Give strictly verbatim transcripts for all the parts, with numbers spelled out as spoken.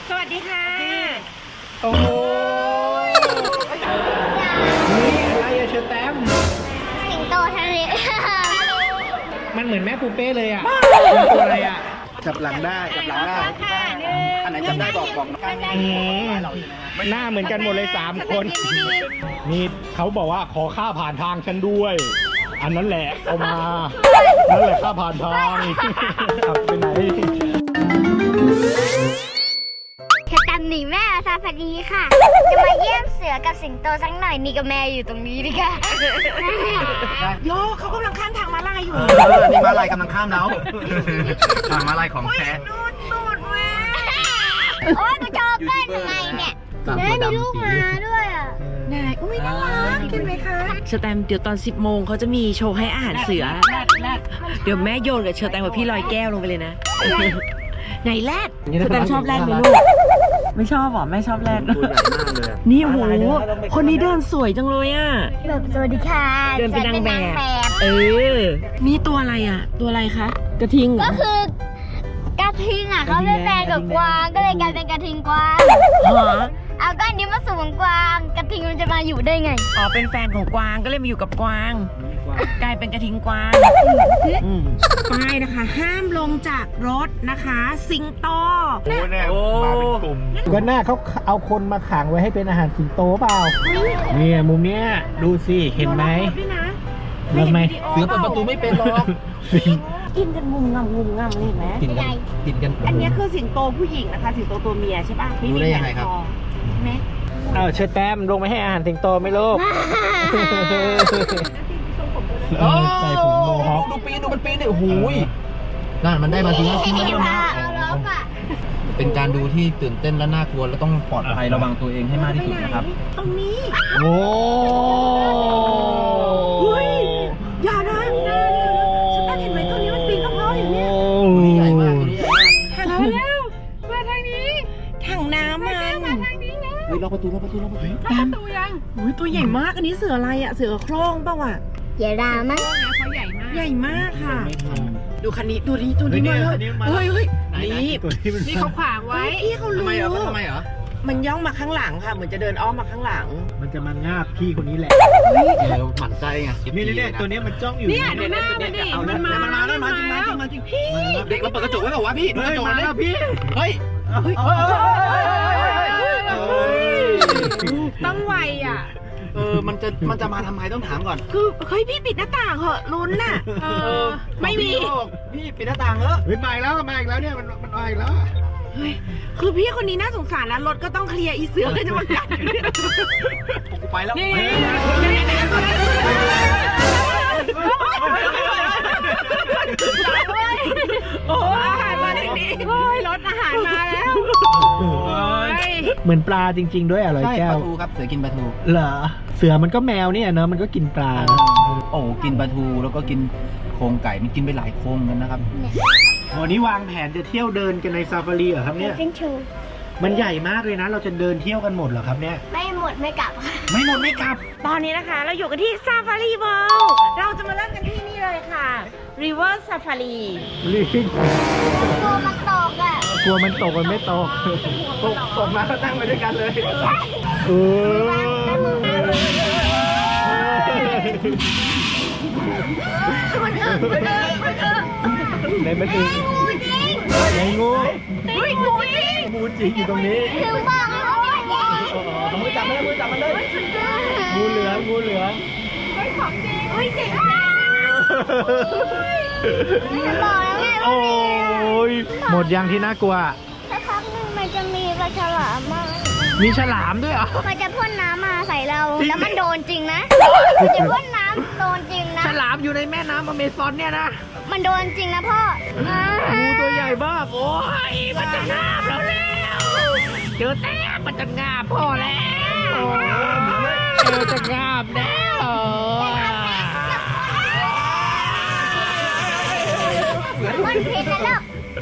สวัสดีค่ะโอ้โหนี่อะไรอะเชอร์แตมสิงโตทะเลมันเหมือนแม่ปูเป้เลยอะเป็นตัวอะไรอะจับหลังได้จับหลังได้อันไหนจำได้บอกบอกหน้าเหมือนกันหมดเลยสามคนนี่เขาบอกว่าขอค่าผ่านทางฉันด้วยอันนั้นแหละเอามานั่นแหละค่าผ่านทางขับไปไหนแค่ตันหนีแม่ซาฟารีค่ะจะมาเยี่ยมเสือกับสิงโตสักหน่อยนี่กับแม่อยู่ตรงนี้ดิค่ะโยเขากำลังข้ามทางม้าลายอยู่นี่ม้าลายกำลังข้ามแล้วทางม้าลายของแท้นูดนูดแม่โอ้ยกูชอบเล่นยังไงเนี่ยแม่มีลูกมาด้วยอ่ะไหนอุ้ยน่ารักกินไหมคะเชอร์แตมเดี๋ยวตอนสิบโมงเขาจะมีโชว์ให้อาหารเสือเดี๋ยวแม่โยนกับเชอร์แตมกับพี่ลอยแก้วลงไปเลยนะไหนแรดเชอร์แตมชอบแรดไหมลูกไม่ชอบหรอไม่ชอบแรดตัวใหญ่มากเลยนี่โหคนนี้เดินสวยจังเลยอ่ะแบบสวัสดีค่ะเดินเป็นนางแบบเออนี่ตัวอะไรอ่ะตัวอะไรคะกระทิงก็คือกระทิงอ่ะเขาเป็นแฟนกับกวางก็เลยกลายเป็นกระทิงกวางเหรอเอาก็อันนี้มาสู่กวางกระทิงมันจะมาอยู่ได้ไงอ๋อเป็นแฟนของกวางก็เลยมาอยู่กับกวางกลายเป็นกระทิงกวางป้ายนะคะห้ามลงจากรถนะคะสิงโตโอ้เนี่ยมาเป็นกลุ่มก็หน้าเขาเอาคนมาขังไว้ให้เป็นอาหารสิงโตเปล่าเนี่ยมุมเนี้ยดูสิเห็นไหมเห็นไหมเสือเปิดประตูไม่เป็นหรอกกินกันงุมงำงุมงำนี่เห็นไหมกินกันกินกันอันนี้คือสิงโตผู้หญิงนะคะสิงโตตัวเมียใช่ป่ะรู้ได้ยังไงครับไหมเออเชิดแต้มลงไปให้อาหารสิงโตไหมลูกใส่ผมโมฮอคดูปีนดูมันปีนเนี่ยโอ้โหนั่นมันได้มาทีละทีละเป็นการดูที่ตื่นเต้นและน่ากลัวและต้องปลอดภัยระวังตัวเองให้มากที่สุดนะครับตรงนี้โอ้ยอย่านะฉันตั้งเห็นไหมตัวนี้มันปีนกระเพาะอยู่เนี่ยตัวใหญ่มากตัวนี้ใหญ่มากถังแล้วมาทางนี้ถังน้ำมันมาทางนี้นะเฮ้ยล็อกประตูล็อกประตูล็อกประตูตามตัวยังอุ้ยตัวใหญ่มากอันนี้เสืออะไรอะเสือโคร่งเปล่าวะใหญ่รามั้งเขาใหญ่มากใหญ่มากค่ะดูคันนี้ตัวนี้ตัวนี้มาเฮ้ยเฮ้ยนี่นี่เขาขวางไว้พี่เขารู้ทำไมเหรอทำไมเหรอมันย่องมาข้างหลังค่ะเหมือนจะเดินอ้อมมาข้างหลังมันจะมางาบพี่คนนี้แหละเดี๋ยวหมั่นใจไงนี่นี่ตัวนี้มันจ้องอยู่เนี่ยดูหน้ามันดิมันมามันมาแล้วมาจริงมาจริงมาจริงพี่เด็กเราเปิดกระจกไว้เปล่าวะพี่เปิดกระจกเลยพี่เฮ้ยต้องไวอ่ะเออมันจะมันจะมาทำไมต้องถามก่อนคือเฮ้ยพี่ปิดหน้าต่างเหอะลุ้นน่ะเออไม่มีพี่ปิดหน้าต่างเหรอเฮ้ยมาอีกแล้วมาอีกแล้วเนี่ยมันมันมาอีกแล้วเฮ้ยคือพี่คนนี้น่าสงสารนะรถก็ต้องเคลียร์อีเสือก็จะมากัดกูไปแล้วโอ้อาหารมาทางนี้โอ้ยรถอาหารมาแล้วเหมือนปลาจริงๆด้วยอร่อยแก้วปลาทูครับเสือกินปลาทูเหรอเสือมันก็แมวเนี่ยเนอะมันก็กินปลาโอ้กินปลาทูแล้วก็กินโครงไก่มันกินไปหลายโครงกันนะครับวันนี้วางแผนจะเที่ยวเดินกันในซาฟารีเหรอครับเนี่ยมันใหญ่มากเลยนะเราจะเดินเที่ยวกันหมดเหรอครับเนี่ยไม่หมดไม่กลับไม่หมดไม่กลับตอนนี้นะคะเราอยู่กันที่ซาฟารีเวิลด์เราจะมาเริ่มกันที่นี่เลยค่ะ River Safari กลัวมันตกอ่ะกลัวมันตกมันไม่ตกตกตกมาก็นั่งไปด้วยกันเลยเออในมันถึงในงูงูจริงงูจริงอยู่ตรงนี้ถึงบอกแล้วว่ามือจับมันเลยมือจับมันเลยงูเหลืองงูเหลืองเฮ้ยของจริงเฮ้ยจริงบอกแล้วไงโอ้ยหมดยังที่น่ากลัวสักพักหนึ่งมันจะมีปลาฉลามมามีฉลามด้วยเหรอมันจะพ่นน้ำมาใส่เราแล้วมันโดนจริงนะมันจะพ่นน้ำโดนจริงนะฉลามอยู่ในแม่น้ำอเมซอนเนี่ยนะมันโดนจริงนะพ่องูตัวใหญ่มากโอ้ยมันจะงาบเราแล้วเจอแต้มมันจะงาบพ่อแล้วเจอจะงาบแล้วมันผิดแล้ว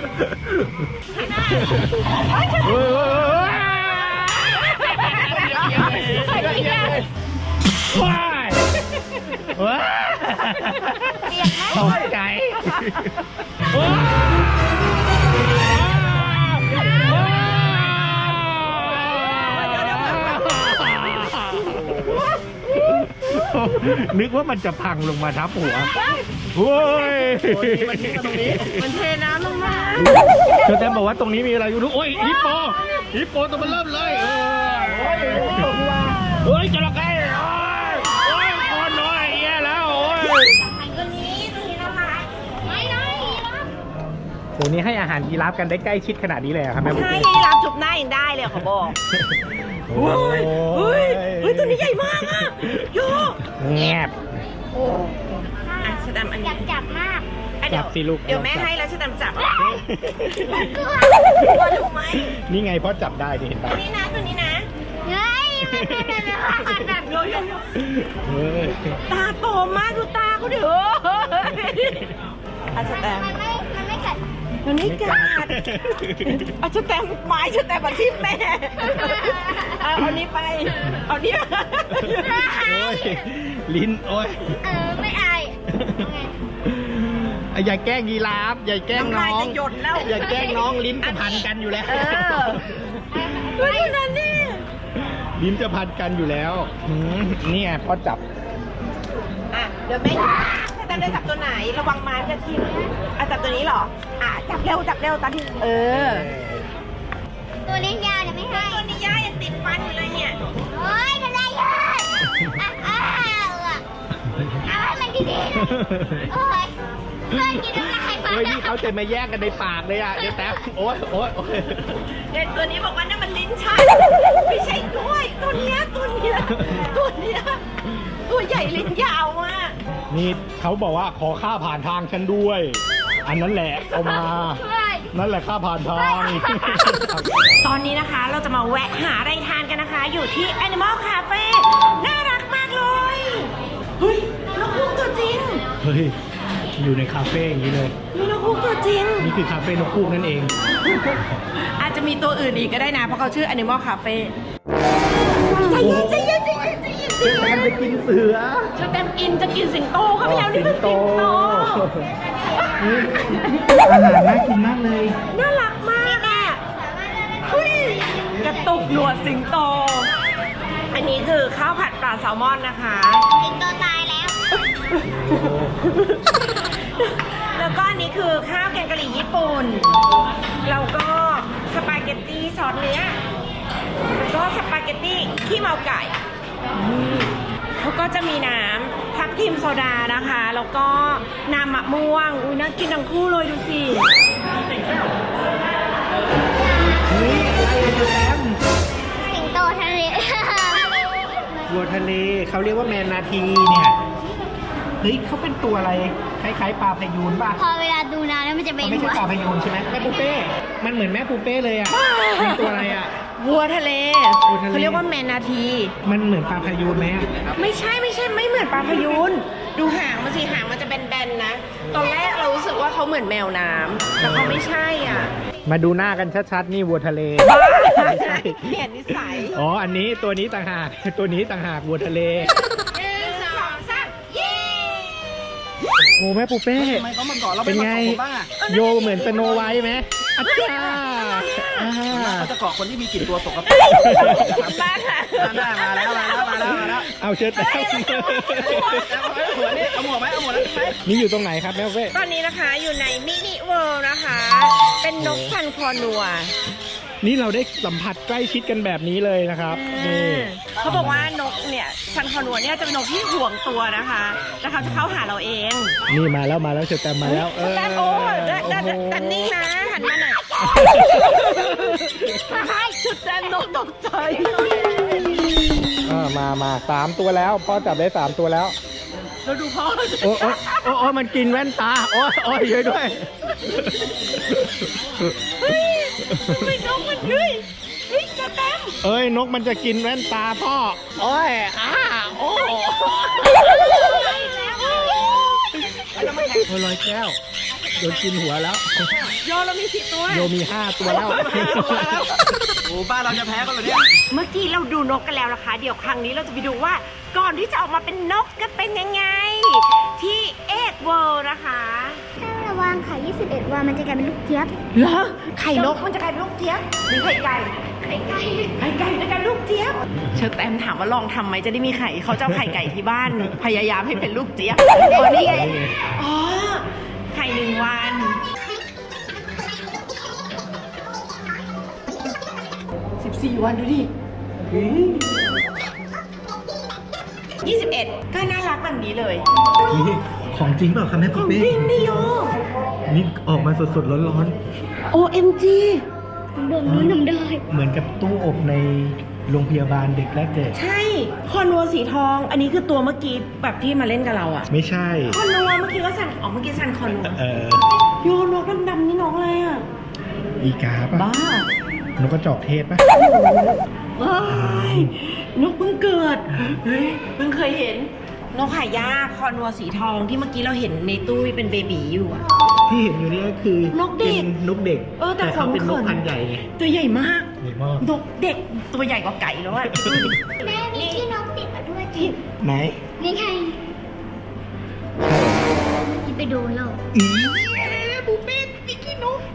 ว้ายว้ายตกใจว้ายนึกว่ามันจะพังลงมาทับหัวโอ้ยมันเทน้ำลงมาเชอแตมบอกว่าตรงนี้มีอะไรอยู่รู้โอ้ยฮิปโปฮิปโปตัวมันเริ่มเลยเออเฮ้ยจระเข้โอ้ยโอ้ยคนน้อยแย่แล้วโอ้ยตัวนี้ตัวนี้นะคะไม่ได้นะตัวนี้ให้อาหารยีราฟกันได้ใกล้ชิดขนาดนี้เลยเหรอครับแม่บุ๊คใช่ยีราฟจุบหน้ายังได้เลยเขาบอกโอ้ยเฮ้ยเฮ้ยตัวนี้ใหญ่มากอะโยแงบอ่ะชะตามอันอนี้ยากจับมากอ่ะเดี๋ยวจับสิลูกเดี๋ยวแม่ให้แล้วชะตามจับกลัวกลัวถูกไหมนี่ไงพ่อจับได้นี่เห็นตัปะวนี้นะตัวนี้นะเฮ้ยมันเป็นแบบแบบโยโยโยเฮ้ยตาโตมากดูตาเขาเด้ออาชะแตมมันไม่มันไม่กัดมันไม่กัดอาชะแตมไม้ชะแตมมาทิ่มแม่เอาเอานี้ไปเอานี้โอ้ยลิ้นโอ้ยเออไม่อายอย่าแกล้งยีราฟอย่าแกล้งน้องน้ำลายจะหยดแล้วอย่าแกล้งน้องลิ้นจะพันกันอยู่แล้วเออดูนั่นนี่ลิ้นจะพันกันอยู่แล้วหืมนี่ไงพ่อจับอ่ะเดี๋ยวแม่ชะแตมได้จับตัวไหนระวังไม้จะทิ่มอ่ะจับตัวนี้เหรออ่ะจับเร็วจับเร็วตอนที่เออตัวเลี้ยงยาเนี่ยไม่ให้ตัวนี้ย่ายังติดฟันอยู่เลยเนี่ยโอ้ยทำไรเยอะอ้าวอ้าวอ่ะเอาให้มันดีๆนะโอ้ยเพื่อนกินน้ำลายไปเฮ้ยนี่เขาจะมาแยกกันในปากเลยอ่ะเดี๋ยวแต้มโอ๊ยโอ๊ยโอ๊ยเด็กตัวนี้บอกว่านั่นมันลิ้นชักไม่ใช่กล้วยตัวเนี้ยตัวเนี้ยตัวเนี้ยตัวใหญ่ลิ้นยาวมากนี่เขาบอกว่าขอค่าผ่านทางฉันด้วย อันนั้นแหละเอามา นั่นแหละค่าผ่านทางตอนนี้นะคะเราจะมาแวะหาอะไรทานกันนะคะ อยู่ที่ Animal Cafe น่ารักมากเลยเฮ้ยนกฮูกตัวจริงเฮ้ยอยู่ในคาเฟ่อย่างนี้เลยมีนกฮูกตัวจริงนี่คือคาเฟ่นกฮูกนั่นเองอาจจะมีตัวอื่นอีกก็ได้นะเพราะเขาชื่อ Animal Cafe ใจเย็นใจเย็นใจเย็นใจเย็นเชอแตมจะกินเสือเชอแตมอินจะกินสิงโตเข้าไปแล้วนี่มันสิงโตอาหารน่ากินมากเลยน่ารักมากอ่ะเฮ้ยกระตุกหนวดสิงโต อันนี้คือข้าวผัดปลาแซลมอนนะคะสิงโตตายแล้วแล้วก็อันนี้คือข้าวแกงกะหรี่ญี่ปุ่น แล้วก็สปาเกตตี้ซอสเนื้อแล้วก็สปาเกตตี้ขี้เมาไก่แล้วก็จะมีน้ำทับทิมโซดานะคะ แล้วก็น้ำมะม่วง อุ้ยน่ากินทั้งคู่เลยดูสิเฮ้ยอะไรอะเชอแตมสิงโตทะเลวัวทะเลเขาเรียกว่าแมนนาทีเนี่ย เฮ้ยเขาเป็นตัวอะไร คล้ายๆปลาพยูนป่ะพอเวลาดูนานแล้วมันจะเป็นเขาไม่ใช่หัวปลาพยูนใช่ไหมแม่ปูเป้ มันเหมือนแม่ปูเป้เลยอ่ะเป็นตัวอะไรอ่ะวัวทะเลวัวทะเลเขาเรียกว่าแมนนาทีมันเหมือนปลาพยูนไหมอะไม่ใช่ไม่ใช่ไม่เหมือนปลาพยูนดูหางมันสิหางมันจะแบนๆนะ ตอนแรกเรารู้สึกว่าเขาเหมือนแมวน้ำแต่เขาไม่ใช่อ่ะมาดูหน้ากันชัดๆนี่วัวทะเลเปลี่ยนนิสัยอ๋อ อันนี้ตัวนี้ต่างหาก ตัวนี้ต่างหากวัวทะเลหนึ่งสองสามเย้โอ้แม่ปูเป้ทำไมเขามาก่อนเราเป็นไม่ไงมาก่อนผมบ้างอะโยเหมือนสโนไวท์ไหมอาจารย์อ่าเขาจะเกาะคนที่มีกลิ่นตัวสกปรกขอบคุณมากค่ะหน้ามาแล้วมาแล้วมาแล้วมาแล้วเอาเชิญแต้มเอาหัวนี่เอาหมวกไหมเอาหมวกแล้วไหมนี่อยู่ตรงไหนครับแม่ปูเป้ตอนนี้นะคะอยู่ในมินิเวิลด์นะคะ เป็นนกซันคอนัวนี่เราได้สัมผัสใกล้ชิดกันแบบนี้เลยนะครับ นี่เขาบอกว่านกเนี่ยซันคอนัวเนี่ยจะเป็นนกที่ห่วงตัวนะคะแล้วเขาจะเข้าหาเราเองนี่มาแล้วมาแล้วเชิญแต้มมาแล้ว เออแต่โอ้แต่แต่แต่แต่นิ่งนะหันมาหน่อยชุดแดนนกตกใจอ่ามามาสามตัวแล้วพ่อจับได้สามตัวแล้วเราดูพ่อโอ้โอ้โอ้โอ้มันกินแว่นตา โอ้ยโอ้ยช่วยด้วยเฮ้ยทำไมนกมันเฮ้ยเฮ้ยจะเต็มเอ้ยนกมันจะกินแว่นตาพ่อ โอ้ยอ้าโอ้โอ้ยลอยแก้วโดนกินหัวแล้วโยเรามีสิบตัวโยมีห้าตัวแล้วโอ้บ้านเราจะแพ้กันเหรอเนี่ยเมื่อกี้เราดูนกกันแล้วนะคะ เดี๋ยวครั้งนี้เราจะไปดูว่าก่อนที่จะออกมาเป็นนกจะเป็นยังไง ที่เอ็กเวิลด์นะคะถ้าเราวางไข่ยี่สิบเอ็ดวันมันจะกลายเป็นลูกเจี๊ยบเหรอไข่นกมันจะกลายเป็นลูกเจี๊ยบหรือไข่ไก่ไข่ไก่ไข่ไก่จะกลายเป็นลูกเจี๊ยบเชอแตมถามว่าลองทำไหมจะได้มีไข่เขาจะเอาไข่ไก่ที่บ้าน พยายามให้เป็นลูกเจี๊ยบอ๋อนี่ไงอ๋อไข่หนึ่งวันสิบสี่วันดูดิยี่สิบเอ็ดก็น่ารักแบบนี้เลยนี่ของจริงเปล่าคะแม่ขปุ๊อก งเป้จริงนี่โยนี่ออกมาสดๆร้อนโอ เอ็ม จีดมนู้นดมได้ๆ เหมือนกับตู้อบในโรงพยาบาลเด็กแรกเกิดใช่ คอนัวสีทอง อันนี้คือตัวเมื่อกี้แบบที่มาเล่นกับเราอะไม่ใช่คอนัวเมื่อกี้ก็สั่นอ๋อเมื่อกี้สั่นคอนัวเออโยนกดำๆนี่น้องอะไรอะอีกาป่ะบ้านกกระจอกเทศป่ะเอ้ยนกเพิ่งเกิดเฮ้ยเพิ่งเคยเห็น นกหายากคอนัวสีทองที่เมื่อกี้เราเห็นในตู้เป็นเบบีอยู่อะที่เห็นอยู่นี่ก็คือนกเด็กป็นกเด็กเออแต่เขาเป็นขนนกพันธุ์ใหญ่ไงตัวใหญ่มากใหญ่มากนกเด็กตัวใหญ่กว่าไก่แล้วอะแม่มีที่นกติดมาด้วยจิบไหนนี่ไงที่ไปดูเราอีบูเป้มีขี้นก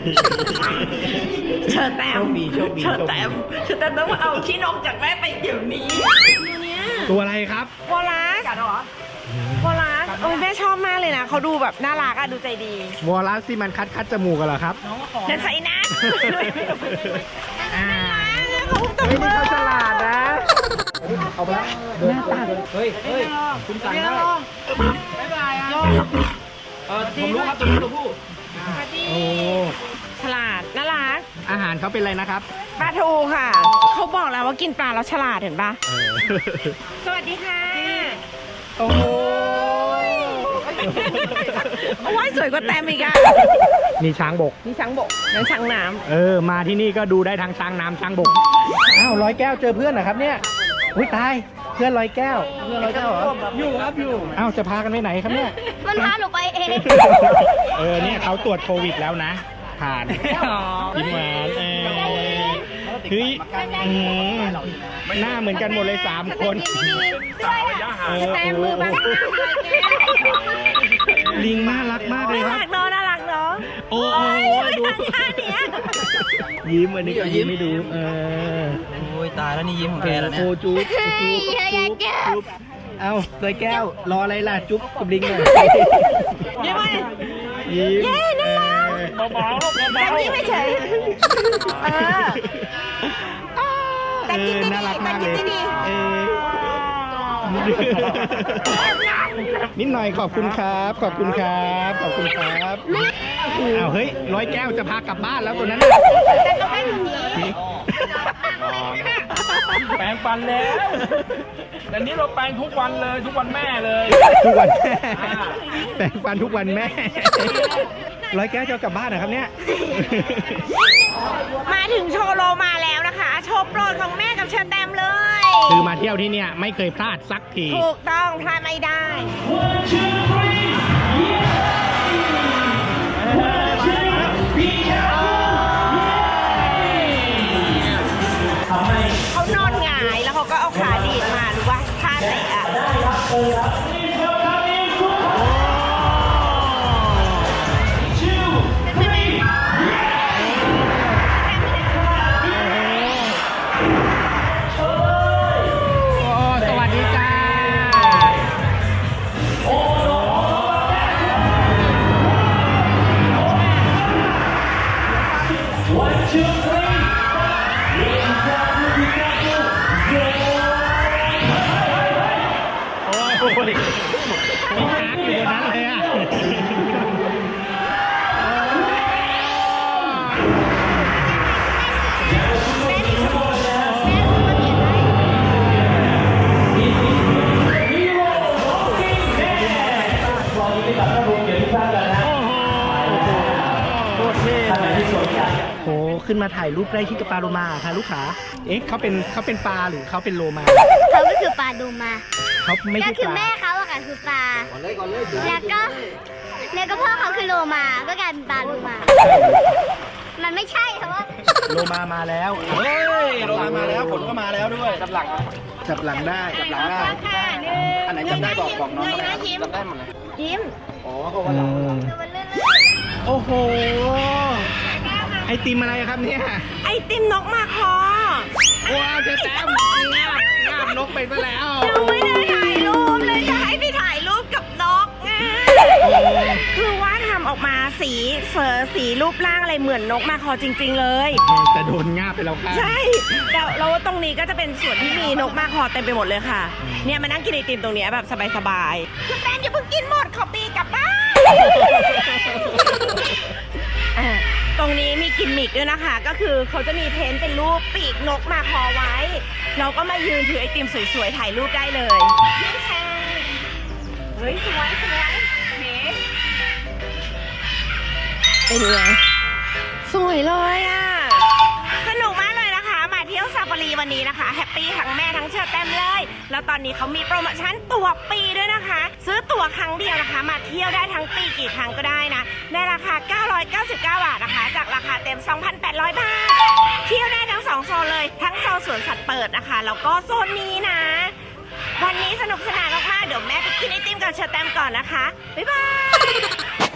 เชอแตมโชคดีโชคดีเชอแตมเชอแตมต้องมาเอาขี้นกจากแม่ไปเดี๋ยวนี้ตัวเนี้ยตัวอะไรครับวอลลัสกัดเหรอวอลลัสโอ้ยแม่ชอบมากเลยนะเขาดูแบบน่ารักอะดูใจดีวอลลัสที่มันคัดคัดจมูกกันเหรอครับนั่นใส่นะอ่าเขาตบเฮ้ยมืนี่อเขาฉลาดนะ เอาไปละหน้าตาเฮ้ยเฮ้ยคุณสั่งได้บ๊ายบายอ่ะเออผมรู้ครับตัวนี้ตัวผู้สวัสดีโอ้ฉลาดน่ารักอาหารเขาเป็นอะไรนะครับปลาทูค่ะ เขาบอกแล้วว่ากินปลาแล้วฉลาดเห็นปะเออสวัสดีค่ะโอ้โหโอ้ยสวยกว่าแต้มอีกอะนี่ช้างบกนี่ช้างบกนั่นช้างน้เออ มาที่นี่ก็ดูได้ทั้งช้างน้ำช้างบก อ้าวร้อยแก้วเจอเพื่อนเหรอครับเนี่ย อุ้ยตาย เพื่อนร้อยแก้ว เพื่อนร้อยแก้วเหรอ อยู่ครับอยู่ อ้าวจะพากันไปไหนครับเนี่ยมันพาหนูไปเองเออเนี่ยเขาตรวจโควิดแล้วนะ ผ่านยิ้มหวานเออเฮ้ยอืมหน้าเหมือนกันหมดเลยสามคนเออำแต้มมือบ้างลิงน่ารักมากเลยน่าครัรับกเนาะน่ารักเนาะโอ้โหดูท่าเนี้ยยิ้มอันนี้ก็ยิ้มไม่ดูเออโอ้ยตายแล้วนี่ยิ้มของแกแล้วโอ้เนี่ยจุ๊บจุ๊บจุ๊บจุ๊บเอาเลยแก้วรออะไรล่ะจุ๊บกับลิงหน่อยยิ้มไหมยิ้มเย้น่ารักเบาๆแต่ยิ้มไม่เฉยเออ แต่เอยิ้อมดีๆน่ารักมากเลยแต่ยิ้มดีๆเออนิดหน่อยขอบคุณครับ ขอบคุณครับ ขอบคุณครับอ้าวเฮ้ยร้อยแก้วจะพากลับบ้านแล้วตัวนั้นน่ะแต่ต้องให้หนูหนีแปรงฟันแล้วแต่นี้เราแปรงทุกวันเลยทุกวันแม่เลยทุกวันแม่แปรงฟันทุกวันแม่ร้อยแก้วจะเอากลับบ้านนะครับเนี่ยมาถึงโชว์โลมาแล้วนะคะ โชว์โปรดของแม่กับเชอร์แตมเลยคือมาเที่ยวที่เนี่ยไม่เคยพลาดสักทีถูกต้องพลาดไม่ได้ เขานอนหงายแล้วเขาก็เอาขาดีดมาหรือว่าท่าเตะอะใช่ไหมโอ้สวัสดีจ้า โอ้ยมีช้างอยู่บนนั้นเลยอ่ะ โคตรเท่เลยโหขึ้นมาถ่ายรูปใกล้ชิดกับปลาโลมาค่ะลูกค้าเอ๊ะเขาเป็นเขาเป็นปลาหรือเขาเป็นโลมาเขาก็คือปลาดูมาเขาไม่ก็ใช่คือปลาแม่เขาอะค่ะคือปลาแล้วก็แล้วก็พ่อเขาคือโลมา ก็กลายเป็นปลาดูมา มันไม่ใช่เพราะว่าโลมามาแล้วเฮ้ยโรมามาแล้วฝนก็มาแล้วด้วยจับหลังจับหลังได้จับหลังได้ค่ะหนึ่งอันไหนจำได้บอกบอกน้องเงยก็หได้น้ายิ้มจำได้หมดเลยยิ้มอ๋อเขาว่าเราโอ้โห ไอติมอะไรครับเนี่ยไอติมนกมาคอว้าวเจอแต้มงาบงาบนกไปซะแล้วยังไม่ได้ถ่ายรูปเลยจะให้พี่ถ่ายรูปกับนกไงคือว่าทำออกมาสีเฟอร์สีรูปร่างอะไรเหมือนนกมาคอจริง ๆเลยแต่โดนงาบไปแล้วค่ะใช่แล้วแล้วตรงนี้ก็จะเป็นส่วนที่มีนกมาคอเต็มไปหมดเลยค่ะ เนี่ยมานั่งกินไอติมตรงเนี้ยแบบสบายๆคุณแฟนอย่าเพิ่งกินหมดขอปีกลับบ้านอ่ะตรงนี้มีกิมมิกด้วยนะคะ ก็คือเขาจะมีเพ้นท์เป็นรูปปีกนกมาคอไว้ เราก็มายืนถือไอติมสวยๆถ่ายรูปได้เลยยิ้มแฉ่งเฮ้ยสวยสวยเฮ้เป็นไงสวยเลยอ่ะสนุกมากเลยนะคะมาเที่ยวซาฟารีวันนี้นะคะแฮปปี้ทั้งแม่ทั้งเชิญแต้มเลยแล้วตอนนี้เขามีโปรโมชั่นตั๋วปีด้วยนะคะ ซื้อตั๋วครั้งเดียวนะคะมาเที่ยวได้ทั้งปีกี่ครั้งก็ได้นะในราคาเก้าร้อยเก้าสิบเก้าบาทนะคะจากราคาเต็ม สองพันแปดร้อย บาทเที่ยวได้ทั้งสองโซนเลยทั้งโซนสวนสัตว์เปิดนะคะแล้วก็โซนนี้นะวันนี้สนุกสนานมากๆเดี๋ยวแม่ไปกินไอติมกับเชอร์แตมก่อนนะคะบ๊ายบาย